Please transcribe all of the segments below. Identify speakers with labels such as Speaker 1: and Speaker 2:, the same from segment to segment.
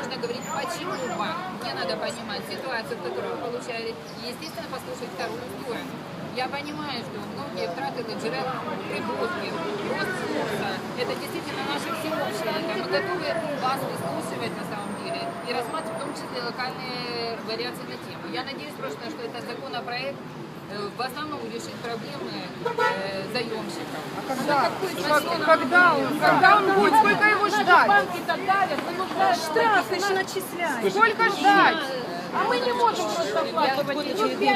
Speaker 1: нужно говорить, почему банк. Мне надо понимать ситуацию, которую вы получаете, и, естественно, послушать вторую сторону. Я понимаю, что многие втраты ЛДЖР, прибытки, рост курса, это действительно наше всеобщее. Мы готовы вас выслушивать на самом деле и рассматривать в том числе локальные вариации на тему. Я надеюсь просто, что этот законопроект в основном решит проблемы заемщиков.
Speaker 2: Когда он будет? Сколько его ждать?
Speaker 1: Банки-то давят,
Speaker 2: Штрафы еще начисляют. Сколько ждать? А мы не можем просто оплачивать.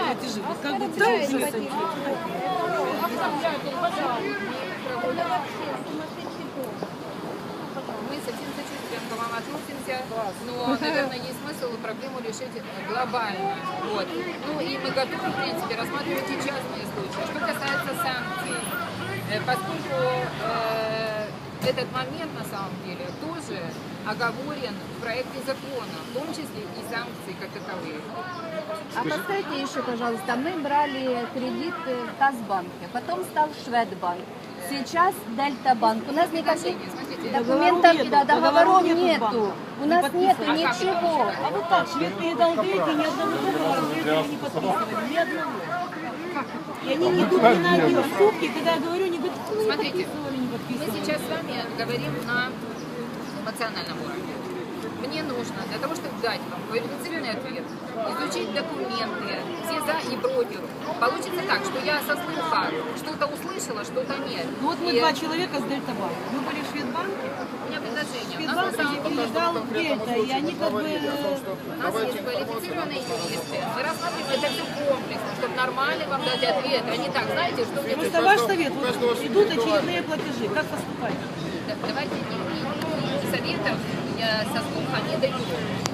Speaker 1: Мы со всем сочувствием к вам относимся, но, наверное, есть смысл проблему решить глобально. Вот. Ну и мы готовы, в принципе, рассматривать и частные случаи. Что касается санкций, поскольку этот момент, на самом деле, тоже оговорен в проекте закона, в том числе и санкции как таковые.
Speaker 3: А подскажите еще, пожалуйста, мы брали кредит в Казбанке, потом стал Шведбанк, сейчас Дельтабанк. У нас никаких документов, договоров нету. У нас нету ничего.
Speaker 4: А вот так, швед передал деньги, ни одного договора не подписывали, ни одного. И они не идут ни на одни уступки, когда я говорю, они говорят, ну, не подписывали, не
Speaker 1: Мы
Speaker 4: подписывали.
Speaker 1: сейчас с вами говорим на эмоциональном уровне. Мне нужно для того, чтобы дать вам квалифицированный ответ, изучить документы, все за и против. Получится так, что я со слуха что-то услышала, что-то нет.
Speaker 4: Ну вот мы два человека с Дельтабанка. Мы были в Шведбанке,
Speaker 1: У меня предложение. У нас на
Speaker 4: Шведбанк
Speaker 1: самом деле
Speaker 4: передал Дельта, и они как бы...
Speaker 1: у нас есть квалифицированные юристы. Мы рассматриваем это все комплексно, чтобы нормально вам дать ответ, а не так, знаете, что мне
Speaker 4: Просто ваш совет, вот идут очередные платежи, как поступать?
Speaker 1: Давайте не советов я со слуха не даю.